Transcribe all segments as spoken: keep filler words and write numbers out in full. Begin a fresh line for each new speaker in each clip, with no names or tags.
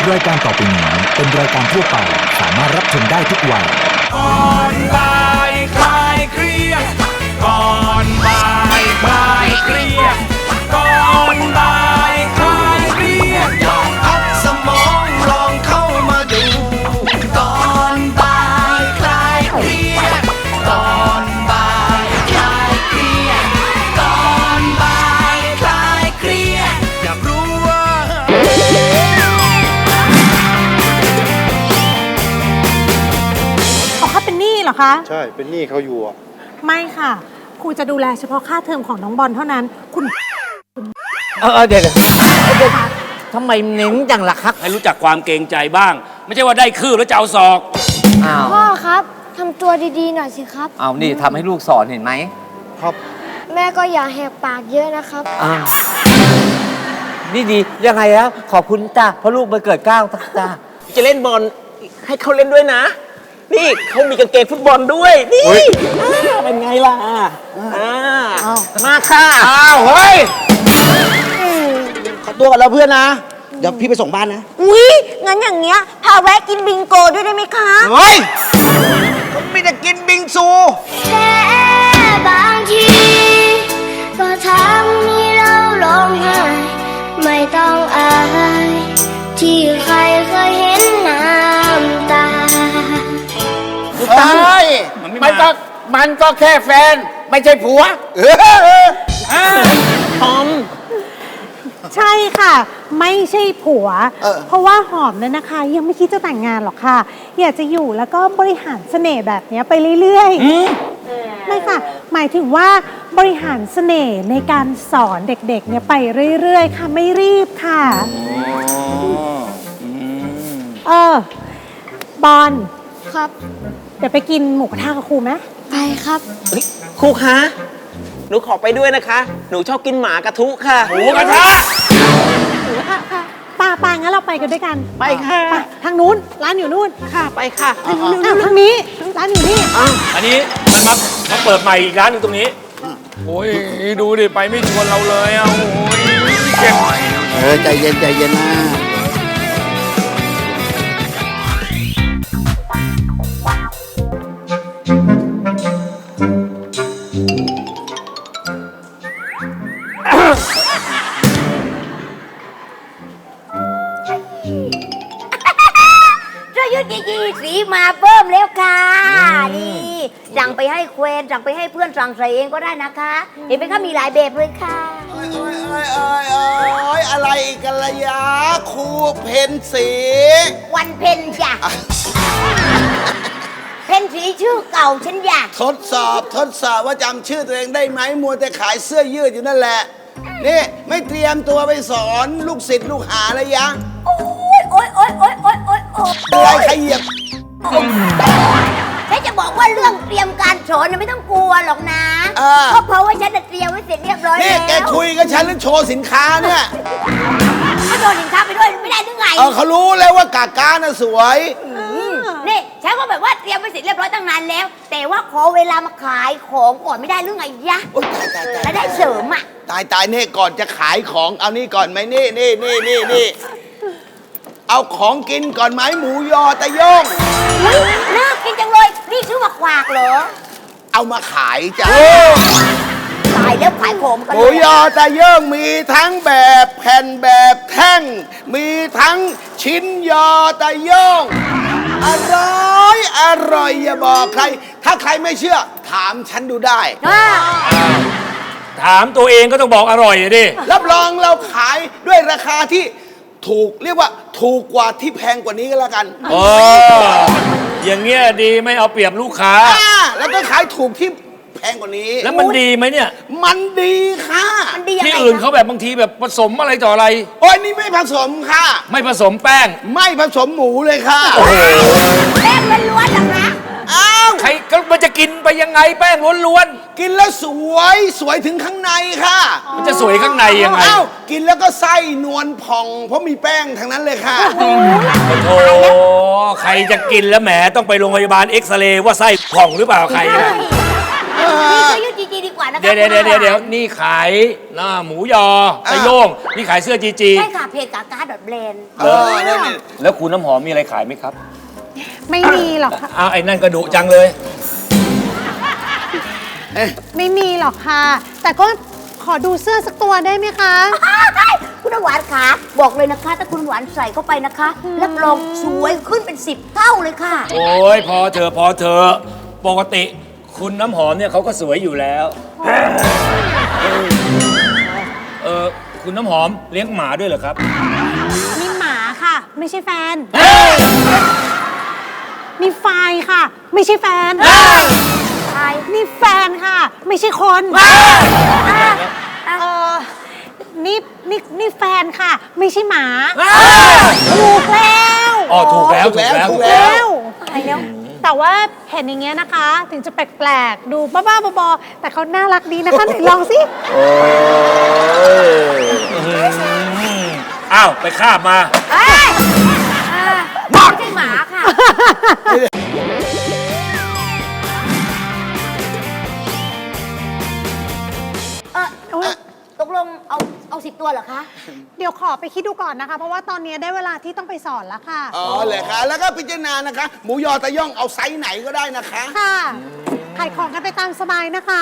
รายการต่อไปนี้เป็นรายการทั่วไปสามารถรับชมได้ทุกวัย
ก่อนบ่ายคลายเครียดก่อนบ่ายคลายเครียดก่อนบ่ายคลายเครียดลองพักสมองลองเข้ามาดูก่อนบ่ายคลายเครียดก่อนบ่ายคลายเครียดก่อนบ่ายคลายเครียดอยากรู้ว่า
อ๋อเขาเป็นหนี้เหรอคะ
ใช่ เป็นหนี้เขาอยู่อ่ะ
ไม่ค่ะครูจะดูแลเฉพาะค่าเทอมของน้องบอลเท่านั้น คุณ
เออเดี๋ยวทำไมเน้นจังล่ะครับ
ให้รู้จักความเกรงใจบ้าง ไม่ใช่ว่าได้คืบแล้วจะเอาศอก
อ้าว
พ่อครับทำตัวดีๆหน่อยสิครับ
เอานี่ทำให้ลูกสอนเห็นไหม
ครับ
แม่ก็อย่าแหกปากเยอะนะครับ
อ้าวนี่ดียังไงแล้วขอบคุณจ้าเพราะลูกมาเกิดเกล้าจ้า
จะเล่นบอลให้เขาเล่นด้วยนะ นี่เขามีกางเกงฟุตบอลด้วย นี่อ่าเป็นไงล่ะอ่ามาค่ะ
อ้าวเฮ้ย
ขอตัวกันแล้วเพื่อนนะ เดี๋ยวพี่ไปส่งบ้านนะ
อุ๊ย งั้นอย่างเงี้ย พาแวะกินบิงโกด้วยได้ไหมคะ
เฮ้ยผมไม่ได้กินบิงซู
แค่บางทีก็ทำให้เราร้องไห้ไม่ต้องอายที่ใครเคยเห็นน้ำตา
ใช่มันก็มันก็แค่แฟน ไม่ใช่ผัว
ทอม
ใช่ค่ะ ไม่ใช่ผัว เพราะว่าหอมเนี่ยนะคะ ยังไม่คิดจะแต่งงานหรอกค่ะ อยากจะอยู่แล้วก็บริหารเสน่ห์แบบเนี้ยไปเรื่อยๆไม่ค่ะ หมายถึงว่าบริหารเสน่ห์ในการสอนเด็กๆเนี่ยไปเรื่อยๆค่ะไม่รีบค่ะเออบอล
ครับ
เดี๋ยวไปกินหมูกระทะกับครูไหม
ไปครับ
ครูคะ หนูขอไปด้วยนะคะ หนูชอบกินหมากระทุค่ะ
หมูกระทะ
ค่ะค่ะป้าป้างั้นเราไปกันด้วยกัน
ไปค่ะ
ไปทางนู้นร้านอยู่นู่น
ค่ะ ไปค่ะ
อ้าวทางนี้ร้านอยู่นี่
อันนี้มันมามาเปิดใหม่อีกร้านหนึงตรงนี้ โอ้ยดูดิไปไม่ชวนเราเลยอ่ะโอ้ยเก็บ
เออ ใจเย็น ใจเย็นนะ
ช่วยยุดยีสีมาเพิ่มแล้วค่ะ นี่สั่งไปให้เควนสั่งไปให้เพื่อนสั่งใส่เองก็ได้นะคะ เห็นไหมคะมีหลายแบบเลยค่ะ
โอ้ยโอ้ยโอ้ยโอ้ยโอ้ยอะไรอีกกันละยะครูเพนสี
วันเพนจ้ะ เพนสีชื่อเก่าฉันอยาก
ทดสอบทดสอบว่าจำชื่อตัวเองได้ไหมมัวแต่ขายเสื้อยืดอยู่นั่นแหละ นี่ไม่เตรียมตัวไปสอนลูกศิษย์ลูกหาเลยยัง
โอ๊ยโอ๊ยโอ๊ยโอ๊ยโอ๊ยโอ๊ยโอ๊ย
อะไรใครเหยียบ
ฉันจะบอกว่าเรื่องเตรียมการสอนน่ะไม่ต้องกลัวหรอกนะ
อ่า
ก็เพราะว่าฉันน่ะเตรียมไว้เสร็จเรียบร้อย
นี่
แล้ว
แกคุยกับฉันหรือโชว์สินค้าเนี่ย
ก็โดนสินค้าไปด้วยไม่ได้หรือไง
เออเขารู้แล้วว่ากากาน่ะสวย
นี่ฉันก็แบบว่าเตรียมไว้เสร็จเรียบร้อยตั้งนานแล้ว แต่ว่าขอเวลามาขายของก่อนไม่ได้หรือไงยะ
โอ๊ยตายตายตาย
แล้วได้เสริมอ่ะ
ตายตายนี่ก่อนจะขายของเอานี่ก่อนไหมนี่นี่นี่นี่นี่เอาของกินก่อนไหมหมูยอตะโย่ง
เฮ้ยน่ากินจังเลย นี่ชื่อว่าขวากเหรอ
เอามาขายจ้ะ
ตายแล้วขายของกัน
ห
เล
มู
ย
ยอตะโย่งมีทั้งแบบแผ่นแบบแท่ง มีทั้งชิ้นยอตะโย่งอร่อยอร่อยอย่าบอกใคร ถ้าใครไม่เชื่อ ถามฉันดูได้
อ่า
ถามตัวเองก็ต้องบอกอร่อยอะดิ
รับรองเราขายด้วยราคาที่ถูกเรียกว่าถูกกว่าที่แพงกว่านี้ก็แล้วกัน
โอ้อย่างเงี้ยดีไม่เอาเปรียบลูกค้า
อ่าแล้วก็ขายถูกที่แพงกว่านี้
แล้วมันดีไหมเนี่ย
มันดีค่ะ
มันดียัง
ที่
ไง
อื่น
คะ
เขาแบบบางทีแบบผสมอะไรต่ออะไร
โอ้ยนี่ไม่ผสมค่ะ
ไม่ผสมแป้ง
ไม่ผสมหมูเลยค่ะ
แป้งล้วนๆเหรอคะ
อ้าว
ใครก็มันจะกินไปยังไงแป้งล้วน
กินแล้วสวยสวยถึงข้างในค่ะ
ๆมันจะสวยข้างในยังไง
อ้าวกินแล้วก็ไส้นวลผ่อง เพราะมีแป้งทั้งนั้นเลยค่ะ
โอ้ใครจะกินแล้วแหมต้องไปโรงพยาบาลเอ็กซเรย์ว่าไส้ผ่องหรือเปล่าใครอะ
นี่ก็ยุดจจีดีกว่านะคะ
เดี๋ยวเดี๋ยวเดี๋ยวเดี๋ยวนี่ขายหน้าหมูยอไอโย่งนี่ขายเสื้อจีจี
ใช่ค่ะเพจกากาดอทแบรนด์
เออนี่นี่
แล้วคุณน้ำหอมมีอะไรขายไหมครับ
ไม่มีหรอกค่ะ
อ้าวไอ้นั่นกระดุจังเลย
ไม่มีหรอกค่ะ แต่ก็ขอดูเสื้อสักตัวได้ไหมคะ
คุณน้ำหวานขาบอกเลยนะคะ ถ้าคุณหวานใส่เข้าไปนะคะรับรองสวยขึ้นเป็นสิบเท่าเลยค่ะ
โอ้ยพอเธอะพอเธอะปกติคุณน้ำหอมเนี่ยเขาก็สวยอยู่แล้วเออคุณน้ำหอมเลี้ยงหมาด้วยเหรอครับ
นี่หมาค่ะ ไม่ใช่แฟน นี่ไฟค่ะ ไม่ใช่แฟน
ใช่
นี่แฟนค่ะ ไม่ใช่คน เออนี่นี่นี่แฟนค่ะ ไม่ใช่หมา ถูกแล้ว
อ๋อถูกแล้วถูกแล้ว
ถู
ถู
ก
ก
แล้
แล้ว
ว
ตายแล้ว แต่ว่าเห็นอย่างเงี้ยนะคะ ถึงจะแปลกๆ ดูบ้าๆบอๆแต่เขาน่ารักดีนะคะไหนลองสิ
อ้าว ไปคาบมา
เอ้ยอ่าไม่ใช่หมาค่ะ เออตกลงเอาเอาสิบตัวเหรอคะ
เดี๋ยวขอไปคิดดูก่อนนะคะ เพราะว่าตอนนี้ได้เวลาที่ต้องไปสอนแล้วค่ะ
อ๋อเลยค่ะ แล้วก็พิจารณานะคะ หมูยอตะย่องเอาไซส์ไหนก็ได้นะคะ
ค่ะ ขายของกันไปตามสบายนะคะ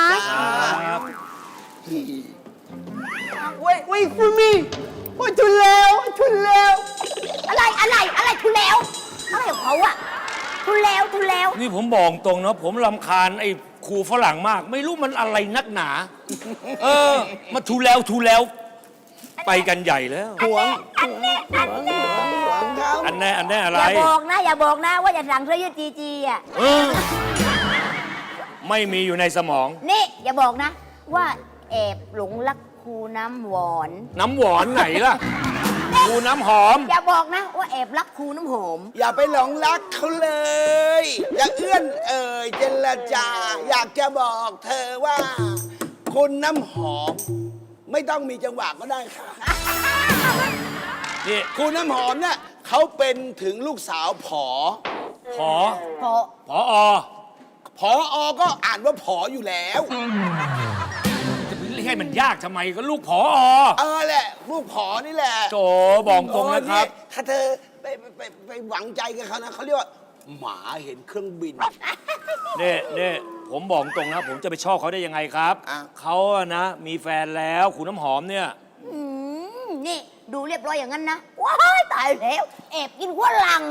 Wait wait for me โอ้ยทุนแล้วทุนแล้ว
อะไรอะไรอะไรทุแล้ว อะไรของเขาอะทุแล้ว ทุแล้ว
นี่ผมบอกตรงนะผมรำคาญไอ้ครูฝรั่งมาก ไม่รู้มันอะไรนักหนา เออ มาทูแล้วทูแล้ว ไปกันใหญ่แล้ว
หวง
อันแน่อันแน่
หวงเขา
อันแน่อันแน่อะไร
อย่าบอกนะ อย่าบอกนะว่าจะสั่งเสื้อยืดจีจีอะ
เออไม่มีอยู่ในสมอง
นี่อย่าบอกนะ ว่าแอบหลงรักครูน้ำหวาน
น้ำหวานไหนล่ะครูน้ำหอม
อย่าบอกนะว่าแอบรักครูน้ำหอม
อย่าไปหลงรักเขาเลย อย่าเอื้อนเอ่ยเจรจา อยากจะบอกเธอว่า คุณน้ำหอม ไม่ต้องมีจังหวะก็ได้ค่ะ
นี่
คุณน้ำหอมเนี่ยเขาเป็นถึงลูกสาวผอ
ผอ
พอ
ผออ
ผออก็อ่านว่าผออยู่แล้ว
จะไปเรียกให้มันยากทำไมก็ลูกผออ
เออแหละ ลูกผอนี่แหละ
โจบอกตรงนะครับ
โอ้นี่ถ้าเธอไปไปไปไปหวังใจกับเขานะเขาเรียกว่า หมาเห็นเครื่องบิน
เนี่ยเนี่ยผมบอกตรงนะ ผมจะไปชอบเขาได้ยังไงครับ
อ่ะ
เขาอะนะ มีแฟนแล้วคุณน้ำหอมเนี่ย
อืมนี่ดูเรียบร้อยอย่างนั้นนะ ว้ายตายแล้ว แอบกินหัวหลัง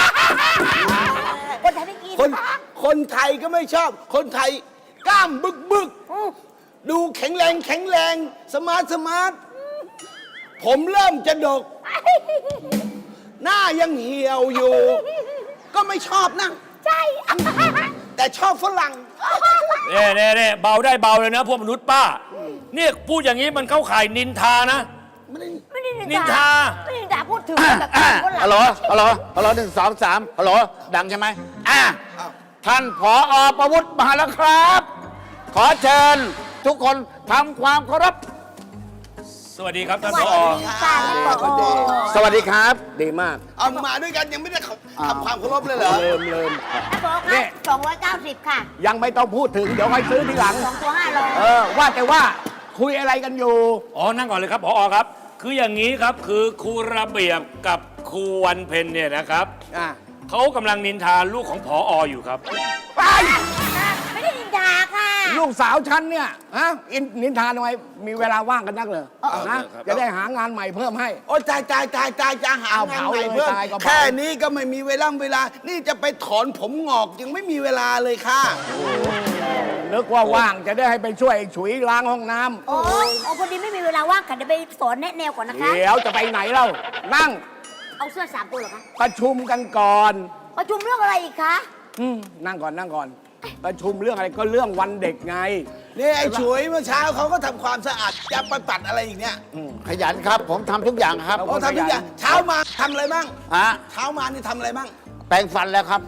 คนไทยไม่กิน
คนคนไทยก็ไม่ชอบ คนไทยกล้ามบึกบึก
อืม
ดูแข็งแรงแข็งแรง สมาร์ทสมาร์ท ผมเริ่มจะดก หน้ายังเหี่ยวอยู่ ก็ไม่ชอบนะ
ใช่
แต่ชอบฝรั่ง
เน่เน่เน่เบาได้เบาเลยนะ พวกมนุษย์ป้า เนี่ยพูดอย่างนี้มันเข้าข่ายนินทานะ
ไม่ได้
นินทา
ไม่ได้นินทาพูดถึงแบบกินหัวหลัง
ฮัลโหล ฮัลโหล ฮัลโหลหนึ่งสองสามฮัลโหล ดังใช่ไหมอ่ะท่านผอประวุฒิมาแล้วครับ ขอเชิญทุกคนทำความเคารพ
สวัสดีครับท่าน
ส
ผ
วัส
อ
ดีค่ะท่านผอ
สวัสดีครับ ดีมาก
เอามาด้วยกันยังไม่ได้ทำความเคารพเลยเหรอ
เริ่มเริ่ม
ท่านผอ
นี่
ค่ะสองร้อยเก้าสิบค่ะ
ยังไม่ต้องพูดถึง เดี๋ยวค่อยซื้อทีหลัง
สองตัวห้าร้อย
เออ ว่าแต่ว่าคุยอะไรกันอยู่
อ๋อ นั่งก่อนเลยครับผอครับ คืออย่างนี้ครับ คือครูระเบียบกับครูวันเพ็ญเนี่ยนะครับ
อ่ะ
เขากำลังนินทาลูกของผออยู่ครับ
ไป
ไม่ได้นินทาค่ะ
ลูกสาวฉันเนี่ย ฮะ อินนินทาทำไม มีเวลาว่างกันนักเลย
เออ
นะ
ครับ
จะได้หางานใหม่เพิ่มให้
โอ้ตายตายตายตายจะหา
เอา
งาน
เผา
ใหม่
เลย
เพิ่ม
ตายก็เผา
แค่นี้ก็ไม่มีเวลาเวลา นี่จะไปถอนผมงอกยังไม่มีเวลาเลยค่ะ
นึกว่าว่างจะได้ให้ไปช่วยฉุยล้างห้องน้ำ
โอ้โอ้พอดีไม่มีเวลาว่างค่ะเดี๋ยวไปสอนแนะแนวก่อนนะคะ
เดี๋ยวจะไปไหนเล่า นั่ง
เอาเสื้อสามตัวเหรอคะ
ประชุมกันก่อน
ประชุมเรื่องอะไรอีกคะ
อืมนั่งก่อนนั่งก่อน ประชุมเรื่องอะไรก็เรื่องวันเด็กไง
นี่ไอ้ฉุยเมื่อเช้าเขาก็ทำความสะอาดจะไปปัดอะไรอีกเนี่ย
ขยันครับ ผมทำทุกอย่างครับ
เอา
โอ้ทำทุกอย่างเช้ามาทำอะไรบ้าง
ฮะ
เช้ามานี่ทำอะไรบ้าง
แปรงฟันแล้วครับ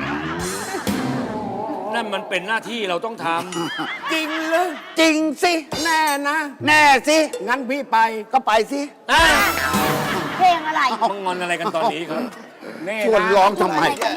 นั่นมันเป็นหน้าที่เราต้องท
จริงเลย
จริงสิ
แน่นะ
แน่สิ
งั้นพี่ไป
ก็ไปสิ
ำอ่ะ
เพลงอะไร
มึงงอนอะไรกันตอนนี้ครับ
นี่
ชวน
นะ
ร้องทำไม
อะไรกันเนี่ย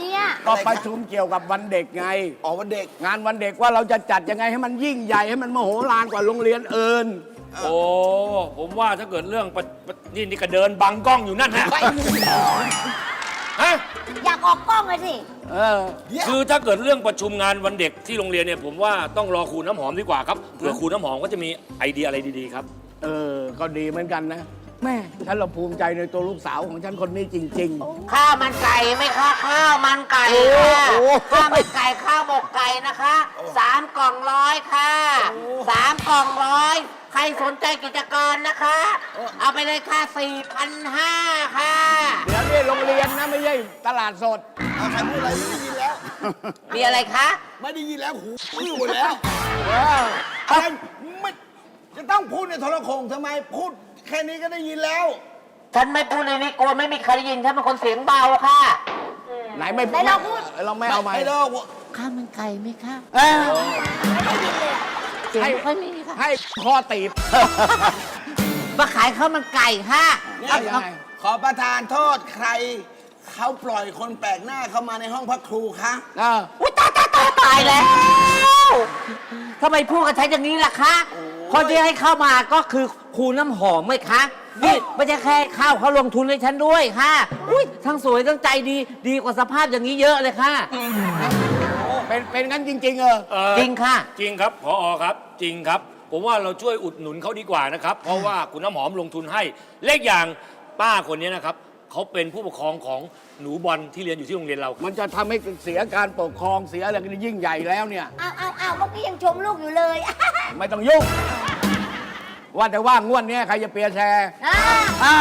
ก็ประชุมเกี่ยวกับวันเด็กไง
อ๋อวันเด็ก
งานวันเด็กว่าเราจะจัดยังไงให้มันยิ่งใหญ่ให้มันมโหฬารกว่าโรงเรียนอื่น
โอ้ ผมว่าถ้าเกิดเรื่องปะปะนี่นี่ก็เดินบังกล้องอยู่นั่นฮะฮะ
อยากออกกล้องเลยสิ
เออ
คือถ้าเกิดเรื่องประชุมงานวันเด็กที่โรงเรียนเนี่ยผมว่าต้องรอครูน้ำหอมดีกว่าครับเผื่อครูน้ำหอมก็จะมีไอเดียอะไรดีๆครับ
เออ ก็ดีเหมือนกันนะ แม่ฉันเราภูมิใจในตัวลูกสาวของฉันคนนี้จริง
ข้าวมันไก่ไหมคะข้าวมันไก่ค่ะข้าวมันไก่ข้าวหมกไก่นะคะสามกล่องร้อยค่ะสามกล่องร้อยใครสนใจกิจการนะคะ เอาไปเลยค่ะสี่พันห้าค่ะ
ๆ เดี๋ยวนี่โรงเรียนนะไม่ใช่ตลาดสด
เอาใครพูดอะไรไม่ได้ยินแล้ว
มีอะไรคะ
ไม่ได้ยินแล้วหูอื้อหมดแล้วอะไรไม่จะต้องพูดในโทรโข่งทำไมพูดแค่นี้ก็ได้ยินแล้ว
ฉันไม่พูดในนี้กลัวไม่มีใครได้ยินฉันเป็นคนเสียงเบาค่ะ
ไหนไม่
ไหนลองพูด
เราไม่เอาไหม
ไม่เลิก
ข้าวมันไก่ไหมคะ
เอ้ย
เสียงไม่ค่อยมีค่ะ
ให้คอตีบ
มาขายข้าวมันไก่ค่ะ
เนี่ยยังไงขอประทานโทษใคร เขาปล่อยคนแปลกหน้าเข้ามาในห้องพักครูคะ
เออ
อุ้ยตายตายตายตายแล้วทำไมพูดกับฉันอย่างนี้ล่ะคะคนที่ให้เข้ามาก็คือครูน้ำหอมไหมคะนี่ไม่ใช่แค่ข้าวเขาลงทุนให้ฉันด้วยค่ะอุ้ยทั้งสวยทั้งใจดีดีกว่าสภาพอย่างนี้เยอะเลยค่ะ
เป็นเป็นงั้นจริง ๆ เออ
เอ่อ
จริงค่ะ
จริงครับพอครับจริงครับ ผมว่าเราช่วยอุดหนุนเขาดีกว่านะครับ เพราะว่าคุณน้ำหอมลงทุนให้เลขอย่างป้าคนนี้นะครับเขาเป็นผู้ปกครองของหนูบอลที่เรียนอยู่ที่โรงเรียนเราครับ
มันจะทำให้เสียการปกครองเสียอะไรกันยิ่งใหญ่แล้วเนี่ย
อ้าวอ้าวอ้าวเมื่อกี้ยังชมลูกอยู่เลย
ไม่ต้องยุ่ง ว่าแต่ว่างวดเนี้ยใครจะเปียร์แชร์
อ่า
อ้าว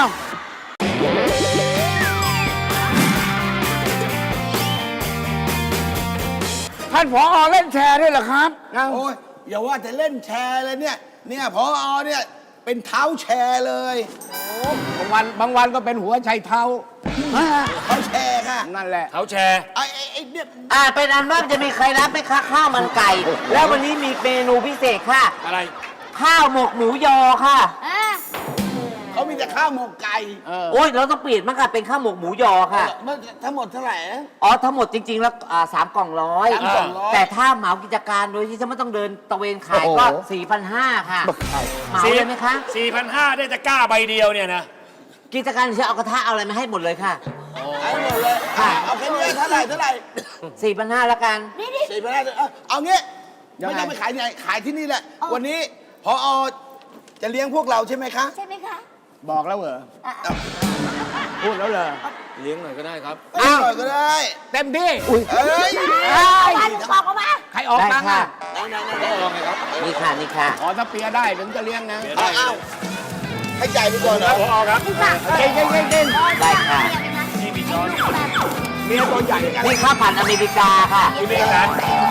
ท่านผอเล่นแชร์ด้วยเหรอครับอ้าว
โอ้ยอย่าว่าจะเล่นแชร์เลยเนี่ย เนี่ยพอเนี่ยเป็นเท้าแชร์เลย
บางวันบางวันก็เป็นหัวไชัยเท้า
เท้าแชร์ค่ะ
นั่นแหละ
เขาแชร์
ไอ้ไอ้ไอ้เนี่ย
อ่าเป็นอันว่าจะมีใครรับไหมคะข้าวมันไก่ แล้ววันนี้มีเมนูพิเศษค่ะ
อะไร
ข้าวหมกหมูยอค่ะ
อ่า
เขามีแต่ข้าวหมกไก่
เออ
โอ้ยเราต้องเปลี่ยนมั้งค่ะเป็นข้าวหมกหมูยอค่ะ
มันทั้งหมดเท่าไหร่นะ
อ๋อทั้งหมดจริง ๆ แล้วอ่าสามกล่องร้อย
สามกล่องร้อย
แต่ถ้าเหมากิจการโดยที่ฉันไม่ต้องเดินตะเวนขายก็สี่พันห้าค่ะเหมาเลยไหมคะ
สี่พันห้าได้ตะกร้าใบเดียวเนี่ยนะ
กิจการฉันเอากระทะเอาอะไรมาให้หมดเลยค่ะ
ให้หมดเลยอ่ะเอาแค่นี้เท่าไหร่เท่าไหร่
สี่พันห้าแล้วกัน
สี่พันห้าเอาเอางี้
ยังไง
ไม่ต้องไปขายที่ไหนขายที่นี่แหละ วันนี้พอจะเลี้ยงพวกเราใช่ไหมคะ
ใช่ไหมคะ
บอกแล้วเหรอ
อ่ะ
พูดแล้วเหรอ
เลี้ยงหน่อยก็ได้ครับ
ไม่หน่อยก็ได้
เต็มที่
เอ้ย
เอามาลูกบอกออกมา
ใครออก
ได้
ตังค์
ค่ะ
อ่ะ
นี่ค่ะนี่ค่ะ
อ๋อถ้าเปียร์ได้ถึงจะเลี้ยงนะ
เอาเอาให้จ่ายไปก่อนนะ
พอครับ
เก่งเก่งเก่งเก่ง
ได้ค่ะ
นี่มีช้อน
เมียตัวใหญ่
นี่ข้าวผัดอเมริกาค่ะ
ที่ไม่ร้าน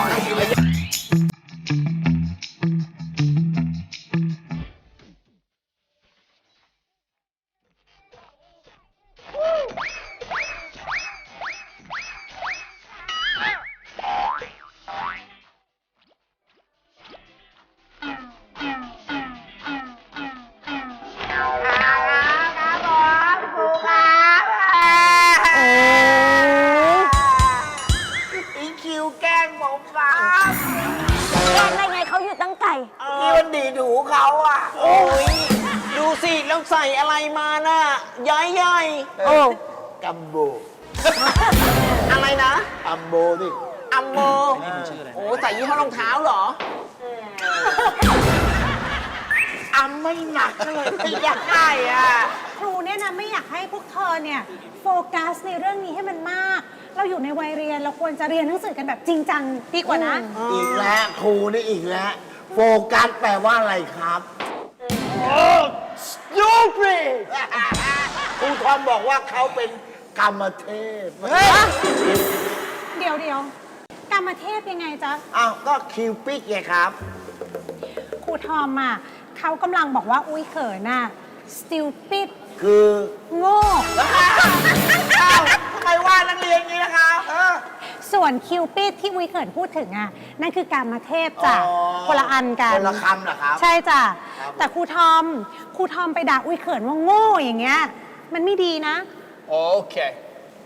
อีคิวแกล้งผมครับ
แกล้งได้ไงเขาอยู่ตั้งไก่
นี่มันดีดหูเขาอ่ะ โอ้ย ดูสิ แล้วใส่อะไรมาน่ะย้ายย่อยโอ้
กัมโบ
อะไรนะ
อัมโบนี่
อัมโมโอ้ใส่ยี่ห้อรองเท้าเหรอ อัมไม่หนักเลยไม่อยากได้อ่ะ
ครูเนี่ยนะไม่อยากให้พวกเธอเนี่ยโฟกัสในเรื่องนี้ให้มันมาก เราอยู่ในวัยเรียนเราควรจะเรียนหนังสือกันแบบจริงจังดีกว่านะ
อีกแล้วครูนี่อีกแล้ว โฟกัสแปลว่าอะไรครับ stupid ครูทอมบอกว่าเขาเป็นกรรมเทพ
เดี๋ยวเดี๋ยวกรรมเทพยังไงจ๊ะ
อ้าว ก็คิวปิกไงครับ
ครูทอมอ่ะเขากำลังบอกว่าอุ้ยเขินน่ะ stupid
คือ
โง่
อ้าวทำไมว่านักเรียนอย่างนี้ล่ะครับ
ส่วนคิวปิดที่อุ้ยเขินพูดถึงอ่ะนั่นคือกรรมเทพจ้ะ
อ๋อ
คนละอันกัน
คนละคำเหรอครับ
ใช่จ้ะ
ครับ
แต่ครูทอมครูทอมไปด่าอุ้ยเขินว่าโง่อย่างเงี้ยมันไม่ดีนะ
โอเค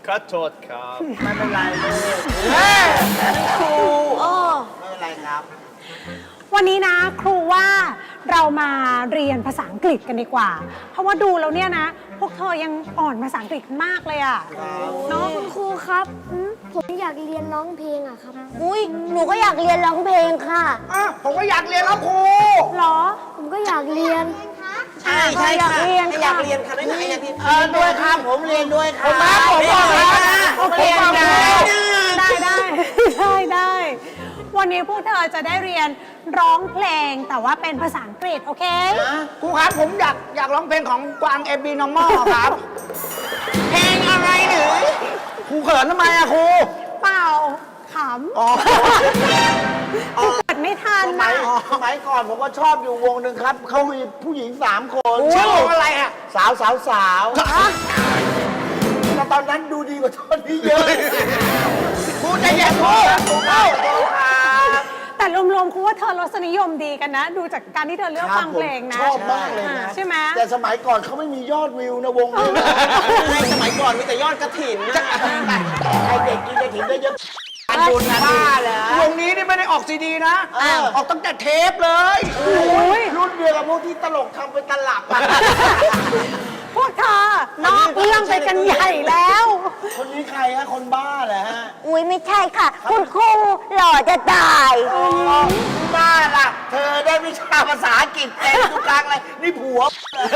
ขอโทษครับ
ไม่เป็นไรเลย
ครู
ไม่เป็นไรครับ
วันนี้นะครูว่าเรามาเรียนภาษาอังกฤษกันดีกว่า เพราะว่าดูแล้วเนี่ยนะ พวกเธอยังอ่อนภาษาอังกฤษมากเลยอะเนาะ
คุณครูครับอืมผมอยากเรียนร้องเพลงอะครับ อุ้ยหนูก็อยากเรียนร้องเพลงค่ะ
อ่ะ ผมก็อยากเรียนแล้วครู
เหรอ
ผมก็อยากเรียน
ใช่ใช่
อยาก
ค่ะ
เรียน
อยากเรียนค่ะได้ไหมอยากเรียนเออด้วยครับผมเรียนด้วยครับ
ผมบอกแล้ว
โอเคได้ได้ได้ได้ได้ วันนี้พวกเธอจะได้เรียนร้องเพลงแต่ว่าเป็นภาษาอังกฤษโอเค
ครูครับผมอยากอยากร้องเพลงของกวางเอบีนอมอครับ เพลงอะไรหรือครูเขินทำไมอะครู
เปล่าข
อ๋อ
ำกูเกิดไม่ทัน
สมั
นะ
ยสมัยก่อนผมก็ชอบอยู่วงหนึ่งครับ เขามีผู้หญิงสามคน
ชื่อวงอะไรอะ
สาวสาวสาวแต่ตอนนั้นดูดีกว่าตอนนี้เยอะ
ครูใจเย็นครูครูเข้า
แต่รวมๆครูว่าเธอรสนิยมดีกันนะ ดูจากการที่เธอเลือกฟังเพลงนะ
ชอบมากเลยนะ
ใช่ไหม
แต่สมัยก่อนเขาไม่มียอดวิวนะวงนี้ในสมัยก่อนมีแต่ยอดกระถิ่นนะใครเด็กกินกระถิ่นได้เยอะบุญนะบ้าเหรอ
วงนี้นี่ไม่ได้ออกซีดีนะ
อ้าว
ออกตั้งแต่เทปเลย
รุ่นเดียวกับพวกที่ตลกทำเป็นตลับอะ
พวกเธอนอกเรื่องไปกันใหญ่แล้ว
คนนี้ใครฮะ คนบ้าเหรอฮะ
อุ้ยไม่ใช่ค่ะ คุณครูหล่อจะตาย
บ้าล่ะ เธอได้วิชาภาษาอังกฤษเต็มทุกครั้งเลย นี่ผัว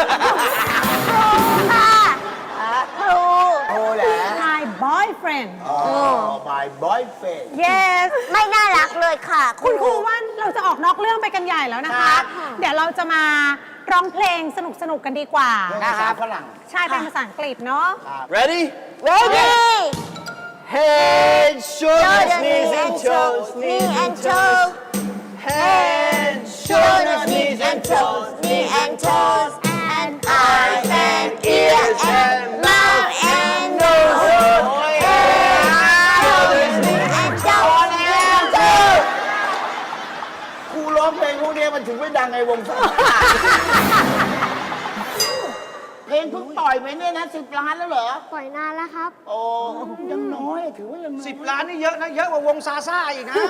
ค่ะครู
โอ้แหละ
My boyfriend
อ๋อ my boyfriend
yes
ไม่น่ารักเลยค่ะ
คุณครูว่าเราจะออกนอกเรื่องไปกันใหญ่แล้วนะคะ เดี๋ยวเราจะมาร้องเพลงสนุกๆกันดีกว่า
ภาษาฝรั่ง
ใช่เป็นภาษาอังกฤษเนาะ
ready
ready
head shoulders
knees and toes knee and toes
head
shoulders knees and toes knee and toes and eyes and ears and mouth and nose shoulders knees and toes and toes
ครูร้องเพลงพวกนี้มันถึงไม่ดังในวงสาวเพลงเพิ่งปล่อยไปเนี่ยนะสิบล้านแล้วเหรอ
ปล่อยนานแล้วครับ
โอ้ยังน้อยถือว่ายังน้อย
สิบล้านนี่เยอะนะ เยอะกว่าวงซาซ่าอีกนะ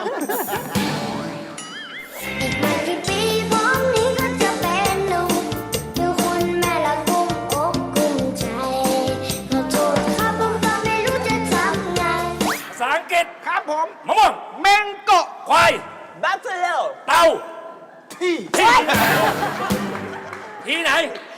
อีกไม่กี่ปีผมนี้ก็จะเป็นหนุ่มมีคุณแม่ละกุมอกกุมใจขอโทษครับผมก็ไม่รู้จะทำไง
ภาษาอังกฤษ
ครับผม
มะม่วง
เมงโกะ
ควาย
บัฟเฟล
เต่า
ที่
ที่ที่ไหน